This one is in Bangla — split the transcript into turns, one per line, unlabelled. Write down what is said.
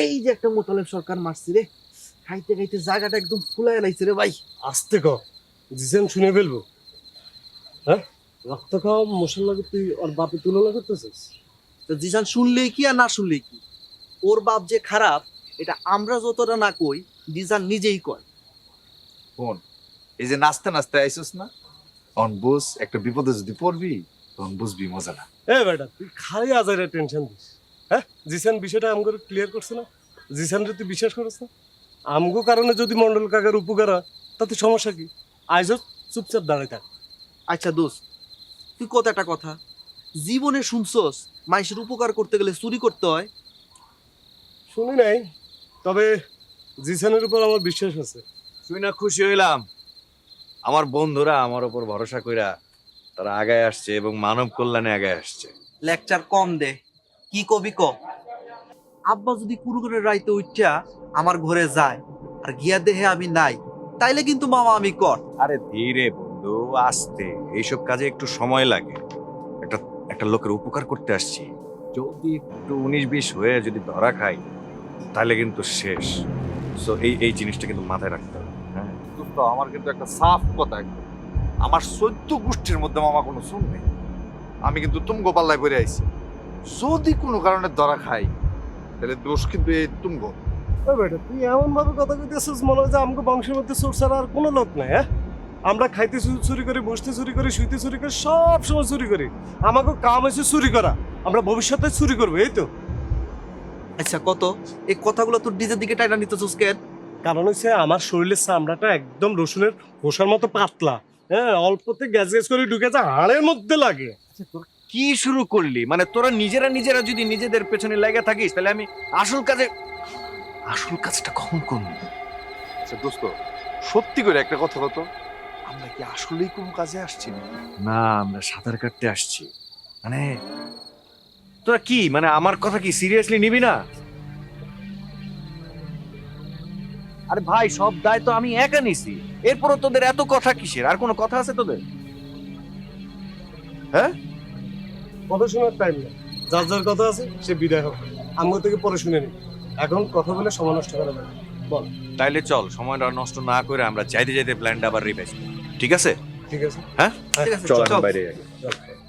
এই যে একটা মোতালেব সরকার মারছি রে, খাইতে খাইতে জায়গাটা একদম ফুলাই লাইছে রে ভাই।
আস্তে ক, জিসেন শুনে ফেলবো। হ্যাঁ, রক্ত খাওয়া মশলা তুই ওর বাপে তুলনা করতেছিস?
তো জিসান শুনলেই কি আর না শুনলেই কি, ওর বাপ যে খারাপ এটা আমরা যতটা না কই জিসান নিজেই কয়।
ফোন এই যে নাচতে নাচতে আইসস না, তখন বুঝ একটা বিপদে যদি পড়বি তখন বুঝবি মজাটা।
এ বেটা তুই খালি আজারে টেনশন দিস। হ্যাঁ, জিসান বিষয়টা আমগো ক্লিয়ার করছে না? জিসান তুই বিশ্বাস করিস না? আমগো কারণে যদি মন্ডল কাকার উপকার হয় তাতে সমস্যা কি? আইজ চুপচাপ দাঁড়ায় থাক।
আচ্ছা দোস্ত, তুই কত একটা কথা জীবনে শুনছস মানুষের উপকার করতে গেলে চুরি করতে হয়?
শুনি নাই, তবে জিসানের উপর আমার বিশ্বাস আছে।
শুই না খুশি হইলাম, আমার বন্ধুরা আমার উপর ভরসা কইরা তারা আগায় আসছে এবং মানব কল্যাণে আগায় আসছে।
লেকচার কম দে, কি কবি ক। আব্বা যদি কুরুকুরের রাইতে উঠা আমার ঘরে যায় আর গিয়া দেহে আমি নাই, তাইলে কিন্তু মামা আমি কর।
আরে ধীরে বন্ধু, আস্তে, এইসব কাজে একটু সময় লাগে। একটা একটা লোকের উপকার করতে আসছি, যদি একটু 19-20 হয়ে যদি ধরা খাই তাহলে কিন্তু শেষ। সো এই জিনিসটা কিন্তু মাথায় রাখতে হবে। হ্যাঁ দোস্ত, আমার কিন্তু একটা সাফ কথা, একদম আমার 14 গোষ্ঠীর মধ্যে মামা কোনো শুন নেই। আমি কিন্তু তুমগো পাল্লায় পড়ে আইছি, যদি কোনো কারণে ধরা খাই তাহলে দোষ কিন্তু এই তুমগো।
ও বেটা তুই এমন ভাবে কথা কইতেছিস মনে হয় যে আমগো বংশের মধ্যে চোর ছাড়া আর কোনো লোক নাই। হ্যাঁ, আমরা খাইতে চুরি করি, বসতে চুরি করি, শুইতে চুরি করি, সব সময় চুরি করি। আমাকে কাম হয়েছে চুরি করা, আমরা ভবিষ্যতে চুরি করবো, এই তো।
আচ্ছা কত, এই কথাগুলো তোর ডিজের দিকে টাইনা নিতেছস কেন?
কারণ হচ্ছে আমার শরীরের চামড়াটা একদম রসুনের খোসার মতো পাতলা। হ্যাঁ, অল্পতে গ্যাস গ্যাস করে ঢুকে যায়, হাড়ের মধ্যে লাগে।
কি শুরু করলি? মানে তোরা নিজেরা যদি নিজেদের পেছনে লেগে থাকিস তাহলে আমি আসল কাজটা কখন করবো? আচ্ছা দোস্ত, সত্যি করে একটা কথা কত, আমরা কি আসলেই কোনো কাজে আসছি না? না, আমরা সাঁতার কাটতে আসছি। মানে তোরা কি, মানে আমার কথা কি সিরিয়াসলি নিবি না? আরে ভাই, সব দায় তো আমি একা নিছি, এরপরও তোদের এত কথা কিসের? আর কোনো কথা আছে তোদের? হ্যাঁ,
কথা শোনার টাইম নেই, যার যার কথা আছে সে বিদায় হোক। আমগো থেকে পরে শুনে নি, এখন কথা বলে সময় নষ্ট করা যাবে না। বল।
তাইলে চল, সময়টা নষ্ট না করে আমরা যাইতে যাইতে প্ল্যানটা আবার রিভাইজ করি, ঠিক আছে?
ঠিক আছে।
হ্যাঁ
ঠিক আছে,
চল,
চল।
এখন বাইরে আগে।
চল।